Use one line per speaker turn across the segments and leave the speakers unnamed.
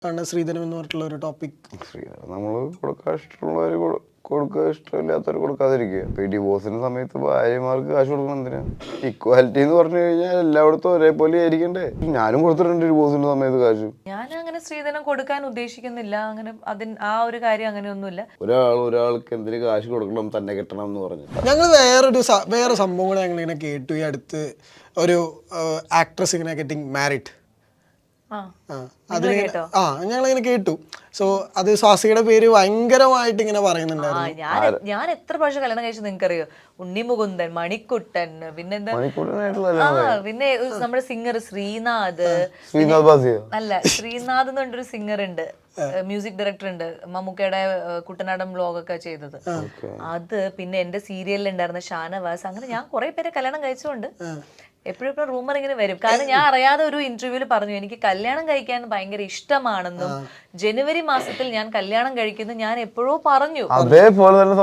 ആണ് ശ്രീധരം എന്ന് പറഞ്ഞിട്ടുള്ള ഒരു ടോപ്പിക്.
ശ്രീധരം നമ്മൾ കൊടുക്കാൻ ഇഷ്ടമുള്ളവർ കൊടുക്കുക, ഇഷ്ടമില്ലാത്തവർ കൊടുക്കാതിരിക്കുക. ഇപ്പൊ ഈ ഡിവോഴ്സിന്റെ സമയത്ത് ഭാര്യമാർക്ക് കാശ് കൊടുക്കണം എന്തിനാ? ഇക്വാലിറ്റി എന്ന് പറഞ്ഞു കഴിഞ്ഞാൽ എല്ലായിടത്തും ഒരേപോലെ ആയിരിക്കണ്ടേ. ഞാനും കൊടുത്തിട്ടുണ്ട് ഡിവോഴ്സിന്റെ സമയത്ത് കാശ്.
ഞാൻ അങ്ങനെ സ്ത്രീധനം കൊടുക്കാൻ ഉദ്ദേശിക്കുന്നില്ല. അങ്ങനെ ആ ഒരു കാര്യം അങ്ങനെയൊന്നുമില്ല.
ഒരാൾക്ക് എന്തിനു കാശ് കൊടുക്കണം, തന്നെ കിട്ടണം എന്ന് പറഞ്ഞു.
ഞങ്ങൾ വേറെ സംഭവം കൂടെ ഞങ്ങൾ ഇങ്ങനെ കേട്ടു. ഈ അടുത്ത് ഒരു ആക്ട്രസ് ഇങ്ങനെ ഗെറ്റിംഗ് മാരിഡ്. ഞങ്ങളിങ്ങനെ കേട്ടു. സോ അത് സ്വാസിയുടെ പേര് ഭയങ്കരമായിട്ട് ഇങ്ങനെ പറയുന്നുണ്ടായിരുന്നു.
ഞാൻ എത്ര പ്രാവശ്യം കല്യാണം കഴിച്ചു നിങ്ങൾക്കറിയോ? ഉണ്ണിമുകുന്ദൻ, മണിക്കുട്ടൻ, പിന്നെന്താ, പിന്നെ നമ്മുടെ സിംഗർ ശ്രീനാഥ്. അല്ല, ശ്രീനാഥ് എന്ന് പറഞ്ഞൊരു സിംഗർ ഉണ്ട്, മ്യൂസിക് ഡയറക്ടർ ഉണ്ട്, മമ്മൂക്കയുടെ കുട്ടനാടൻ വ്ലോഗൊക്കെ ചെയ്തത്. അത് പിന്നെ എന്റെ സീരിയലിൽ ഉണ്ടായിരുന്ന ഷാനവാസ്. അങ്ങനെ ഞാൻ കുറെ പേരെ കല്യാണം കഴിച്ചുകൊണ്ട് എപ്പോഴും റൂമർ ഇങ്ങനെ വരും. കാരണം ഞാൻ അറിയാതെ ഒരു ഇന്റർവ്യൂവിൽ പറഞ്ഞു എനിക്ക് കല്യാണം കഴിക്കാൻ ഭയങ്കര ഇഷ്ടമാണെന്നും ജനുവരി മാസത്തിൽ ഞാൻ കല്യാണം കഴിക്കുന്നു ഞാൻ എപ്പോഴോ പറഞ്ഞു.
അതേപോലെ തന്നെ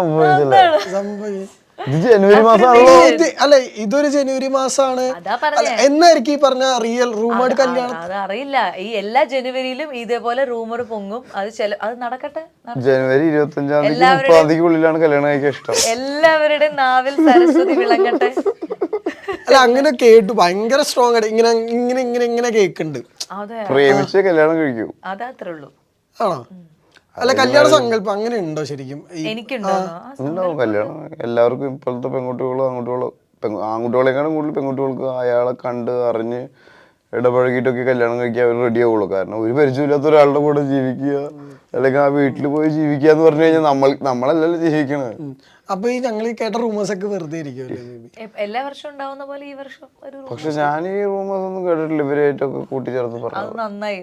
അല്ല, ഇതൊരു ജനുവരി മാസമാണ് എന്നായിരിക്കും ഈ പറഞ്ഞ റിയൽ റൂമേഡ് കല്യാണം.
അതറിയില്ല. ഈ എല്ലാ ജനുവരിയിലും ഇതേപോലെ റൂമർ പൊങ്ങും. അത് നടക്കട്ടെ.
ജനുവരി 25-30 കല്യാണം കഴിക്കാൻ ഇഷ്ടം.
എല്ലാവരുടെയും നാവിൽ സരസ്വതി വിളങ്ങട്ടെ.
അല്ല, അങ്ങനെ കേട്ടു. ഭയങ്കര സ്ട്രോങ് ആയിട്ട് ഇങ്ങനെ ഇങ്ങനെ ഇങ്ങനെ ഇങ്ങനെ കേക്കുന്നുണ്ട്.
പ്രേമിച്ച് കല്യാണം കഴിക്കൂ,
അതത്രേ ഉള്ളൂ.
ആണോ? അല്ല, കല്യാണ സങ്കല്പം അങ്ങനെ ഉണ്ടോ ശരിക്കും?
ഉണ്ടാവും കല്യാണം. എല്ലാവർക്കും ഇപ്പോഴത്തെ ആൺകുട്ടികളെക്കാളും കൂടുതൽ പെൺകുട്ടികൾക്ക് അയാളെ കണ്ട് അറിഞ്ഞ് ഇടപഴകിയിട്ടൊക്കെ കല്യാണം കഴിക്കാൻ അവർ റെഡി ആവുള്ളൂ. കാരണം ഒരു പരിചയമില്ലാത്ത ഒരാളുടെ കൂടെ ജീവിക്കുക, അല്ലെങ്കിൽ ആ വീട്ടിൽ പോയി ജീവിക്കുക എന്ന് പറഞ്ഞു കഴിഞ്ഞാൽ നമ്മളല്ലല്ലോ ജീവിക്കണത്.
അപ്പൊ ഈ ഞങ്ങൾ കേട്ട റൂമേഴ്സ് ഒക്കെ വെറുതെ ഇരിക്കുമല്ലേ?
എല്ലാ വർഷവും ഉണ്ടാവുന്ന പോലെ ഈ വർഷം
പക്ഷെ ഞാൻ ഈ റൂമേഴ്സ് ഒന്നും കേട്ടിട്ടില്ല. ഇവരായിട്ടൊക്കെ കൂട്ടിച്ചേർത്ത് പറഞ്ഞു.
നന്നായി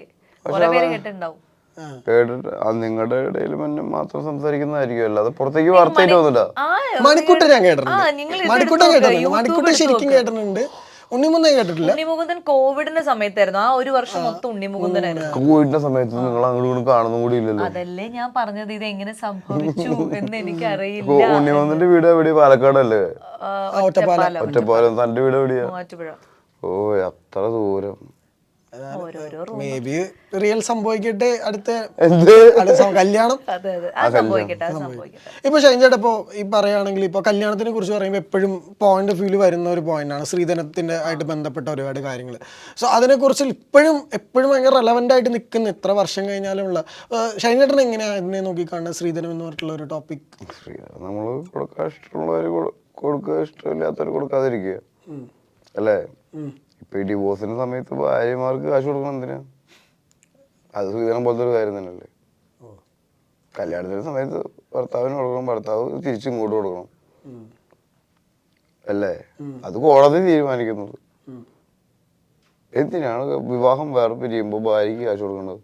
കേട്ടിട്ട് നിങ്ങളുടെ ഇടയിൽ മാത്രം സംസാരിക്കുന്നതായിരിക്കും, അല്ലാതെ പുറത്തേക്ക് വാർത്തയായിട്ട് വന്നില്ല.
മണിക്കുട്ടൻ ഞാൻ കേട്ടിട്ടുണ്ട്. മണിക്കുട്ടൻ ശരിക്കും കേട്ടിട്ടുണ്ട്. ഉണ്ണിമുകുന്ദൻ കേട്ടിട്ടില്ല.
ഉണ്ണിമുകുന്ദൻ കോവിഡിന്റെ സമയത്തായിരുന്നു. ആ ഒരു വർഷം മൊത്തം ഉണ്ണിമുകുന്ദനായിരുന്നു.
കോവിഡിന്റെ സമയത്ത് നിങ്ങൾ അങ്ങോട്ട് കാണുന്ന കൂടി ഇല്ലല്ലോ.
അതല്ലേ ഞാൻ പറഞ്ഞത്, ഇത് എങ്ങനെ സംഭവിച്ചു എന്ന് എനിക്ക് അറിയില്ല.
ഉണ്ണിമുകുന്ദന്റെ വീട് എവിടെയാ? പാലക്കാടല്ലേ? ഒറ്റപ്പാലം. തന്റെ വീട് എവിടെയാ?
മൂവാറ്റുപുഴ.
ഓ, അത്ര ദൂരം.
മേ ബി റിയൽ സംഭവിക്കട്ടെ അടുത്ത കല്യാണം. ഇപ്പൊ ഷൈൻചേട്ടാ, ഇപ്പൊ ഈ പറയുകയാണെങ്കിൽ ഇപ്പൊ കല്യാണത്തിനെ കുറിച്ച് പറയുമ്പോൾ എപ്പോഴും പോയിന്റ് ഓഫ് വ്യൂല് വരുന്ന ഒരു പോയിന്റാണ് ശ്രീധനത്തിന്റെ ആയിട്ട് ബന്ധപ്പെട്ട ഒരുപാട് കാര്യങ്ങൾ. സോ അതിനെക്കുറിച്ച് എപ്പോഴും ഭയങ്കര റെലവെന്റ് ആയിട്ട് നിൽക്കുന്ന എത്ര വർഷം കഴിഞ്ഞാലുമുള്ള ഷൈൻചേട്ടൻ എങ്ങനെയാ അതിനെ നോക്കിക്കാണുന്നത് ശ്രീധനം എന്ന് പറഞ്ഞിട്ടുള്ള ഒരു ടോപ്പിക്?
നമ്മൾ കൊടുക്കാൻ ഇഷ്ടമുള്ളവർ കൊടുക്കുക, ഇഷ്ടമില്ലാത്തവർ കൊടുക്കാതിരിക്കുക അല്ലേ? ഇപ്പൊ ഈ ഡിവോഴ്സിന്റെ സമയത്ത് ഭാര്യമാർക്ക് കാശ് കൊടുക്കണം എന്തിനാ? അത് ശ്രീധരൻ പോലത്തെ ഒരു കാര്യം തന്നെയല്ലേ. കല്യാണത്തിന്റെ സമയത്ത് ഭർത്താവിന് കൊടുക്കണം, ഭർത്താവ് തിരിച്ചും ഇങ്ങോട്ട് കൊടുക്കണം അല്ലേ? അത് കോടതി തീരുമാനിക്കുന്നത്. എന്തിനാണ് വിവാഹം വേറെ പിരിയുമ്പോ ഭാര്യക്ക് കാശ് കൊടുക്കേണ്ടത്?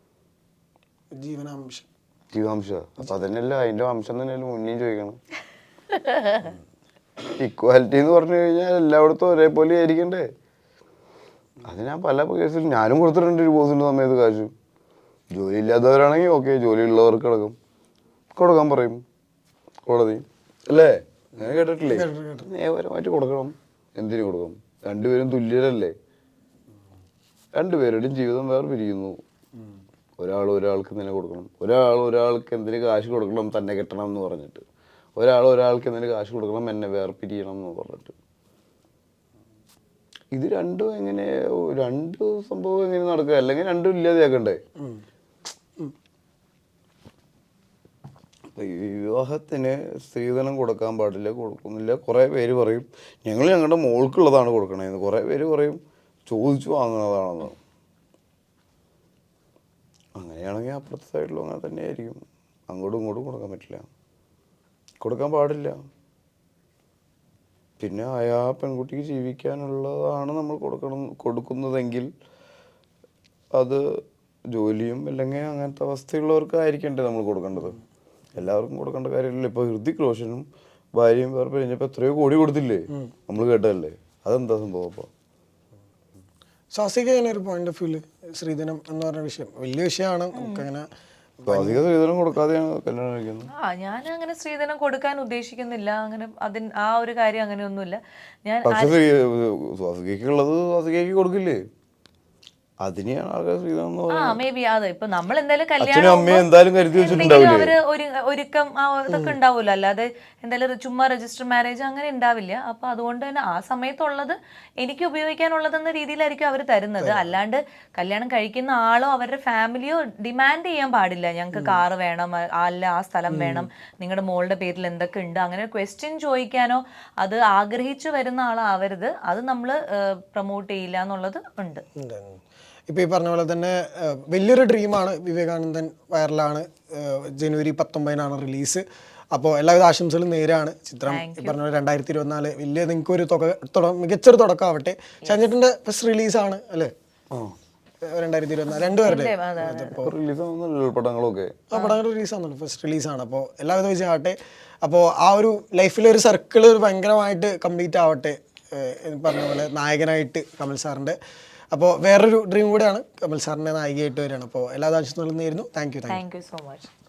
ജീവനാംശം. അപ്പൊ അതന്നെയല്ല, അതിന്റെ അംശം തന്നെയല്ലേ മുന്നേയും ചോദിക്കണം. ഇക്വാലിറ്റി എന്ന് പറഞ്ഞു കഴിഞ്ഞാൽ എല്ലായിടത്തും ഒരേപോലെ ആയിരിക്കണ്ടേ. അത് ഞാൻ പല കേസിൽ ഞാനും കൊടുത്തിട്ടുണ്ട് ഡിവോഴ്സിന്റെ സമയത്ത് കാശ്. ജോലി ഇല്ലാത്തവരാണെങ്കിൽ ഓക്കെ, ജോലി ഉള്ളവർക്ക് കൊടുക്കാൻ പറയും കോടതി അല്ലേ? ഞാൻ കേട്ടിട്ടില്ലേ? നിയമപരമായിട്ട് കൊടുക്കണം. എന്തിനു കൊടുക്കണം? രണ്ടുപേരും തുല്യരല്ലേ? രണ്ടുപേരുടെയും ജീവിതം വേറെ പിരിയുന്നു. ഒരാൾക്ക് എന്തിനു കൊടുക്കണം? ഒരാൾക്ക് എന്തിനു കാശ് കൊടുക്കണം, തന്നെ കെട്ടണം എന്ന് പറഞ്ഞിട്ട്. ഒരാൾക്ക് എന്തിനു കാശ് കൊടുക്കണം, എന്നെ വേറെ പിരിയണം എന്ന് പറഞ്ഞിട്ട്. ഇത് രണ്ടും രണ്ട് സംഭവം എങ്ങനെ നടക്കുക? അല്ലെങ്കിൽ രണ്ടും ഇല്ലാതെയാക്കണ്ടേ? വിവാഹത്തിന് സ്ത്രീധനം കൊടുക്കാൻ പാടില്ല, കൊടുക്കുന്നില്ല. കുറേ പേര് പറയും ഞങ്ങൾ ഞങ്ങളുടെ മോൾക്കുള്ളതാണ് കൊടുക്കണേന്ന്. കുറേ പേര് പറയും ചോദിച്ചു വാങ്ങുന്നതാണെന്ന്. അങ്ങനെയാണെങ്കിൽ അപ്പുറത്തെ സൈഡിലും അങ്ങനെ തന്നെ ആയിരിക്കും. അങ്ങോട്ടും ഇങ്ങോട്ടും കൊടുക്കാൻ പറ്റില്ല, കൊടുക്കാൻ പാടില്ല. പിന്നെ ആ പെൺകുട്ടിക്ക് ജീവിക്കാനുള്ളതാണ് നമ്മൾ കൊടുക്കുന്നതെങ്കിൽ അത് ജോലിയും അല്ലെങ്കിൽ അങ്ങനത്തെ അവസ്ഥയുള്ളവർക്കായിരിക്കണ്ടേ നമ്മൾ കൊടുക്കേണ്ടത്. എല്ലാവർക്കും കൊടുക്കേണ്ട കാര്യമില്ല. ഇപ്പോൾ ഹൃതിക് റോഷനും ഭാര്യയും വേറെ പിരിഞ്ഞപ്പോൾ എത്രയോ കോടി കൊടുത്തില്ലേ? നമ്മൾ കേട്ടതല്ലേ? അതെന്താ സംഭവം? അപ്പോൾ
സ്വാസിക ഒരു പോയിന്റ് ഓഫ് വ്യൂല് ശ്രീധനം എന്ന് പറഞ്ഞ വിഷയം വലിയ വിഷയമാണ്. നമുക്കങ്ങനെ
സ്ത്രീധനം കൊടുക്കാതെയാണ് കല്യാണം കഴിക്കുന്നത്.
ഞാൻ അങ്ങനെ സ്ത്രീധനം കൊടുക്കാൻ ഉദ്ദേശിക്കുന്നില്ല. അങ്ങനെ ആ ഒരു കാര്യം അങ്ങനെയൊന്നുമില്ല. ഞാൻ
പക്ഷേ സ്വാസികയ്ക്കുള്ളത് സ്വാസികയ്ക്ക് കൊടുക്കില്ലേ? അതിനെയാണ് ആൾക്കാർ ശ്രീനാഥ്
ആ മേ ബി അത് ഇപ്പൊ നമ്മൾ എന്തായാലും
അച്ഛനും
കല്യാണം
അമ്മയും എന്തായാലും കരുതി
എന്തെങ്കിലും അവര്
വെച്ചിട്ടുണ്ടാവില്ലേ.
ഒരുക്കം ഇതൊക്കെ ഉണ്ടാവുമല്ലോ, അല്ലാതെ എന്തായാലും ചുമ്മാ രജിസ്റ്റർ മാരേജ് അങ്ങനെ ഉണ്ടാവില്ല. അപ്പൊ അതുകൊണ്ട് തന്നെ ആ സമയത്തുള്ളത് എനിക്ക് ഉപയോഗിക്കാനുള്ളതെന്ന രീതിയിലായിരിക്കും അവർ തരുന്നത്. അല്ലാണ്ട് കല്യാണം കഴിക്കുന്ന ആളോ അവരുടെ ഫാമിലിയോ ഡിമാൻഡ് ചെയ്യാൻ പാടില്ല, ഞങ്ങൾക്ക് കാറ് വേണം, അല്ല ആ സ്ഥലം വേണം, നിങ്ങളുടെ മോളുടെ പേരിൽ എന്തൊക്കെ ഉണ്ട്, അങ്ങനെ ക്വസ്റ്റ്യൻ ചോദിക്കാനോ അത് ആഗ്രഹിച്ചു വരുന്ന ആളാവരുത്. അത് നമ്മൾ പ്രൊമോട്ട് ചെയ്യില്ല എന്നുള്ളത് ഉണ്ട്.
ഇപ്പോൾ ഈ പറഞ്ഞ പോലെ തന്നെ വലിയൊരു ഡ്രീമാണ് വിവേകാനന്ദൻ. വൈറലാണ്. ജനുവരി 19 റിലീസ്. അപ്പോൾ എല്ലാവിധ ആശംസകളും നേരാണ്. ചിത്രം ഈ പറഞ്ഞ പോലെ 2024 വലിയ നിങ്ങൾക്ക് ഒരു മികച്ചൊരു തുടക്കമാവട്ടെ. ഷാൻചേട്ടൻ്റെ ഫസ്റ്റ് റിലീസാണ് അല്ലേ 2024 രണ്ടുപേരുടെ
പടങ്ങളൊക്കെ
ആ പടങ്ങൾ റിലീസാണല്ലോ, ഫസ്റ്റ് റിലീസാണ്. അപ്പോൾ എല്ലാവിധ വിജയമാവട്ടെ. അപ്പോൾ ആ ഒരു ലൈഫിലൊരു സർക്കിൾ ഒരു ഭയങ്കരമായിട്ട് കംപ്ലീറ്റ് ആവട്ടെ. പറഞ്ഞ പോലെ നായകനായിട്ട് കമൽ സാറിൻ്റെ. അപ്പോൾ വേറൊരു ഡ്രീം കൂടെയാണ് കമൽ സാറിൻ്റെ നായികയായിട്ട് വരികയാണ്. അപ്പോൾ എല്ലാ ആശംസകളും നേരുന്നു. Thank you
so much.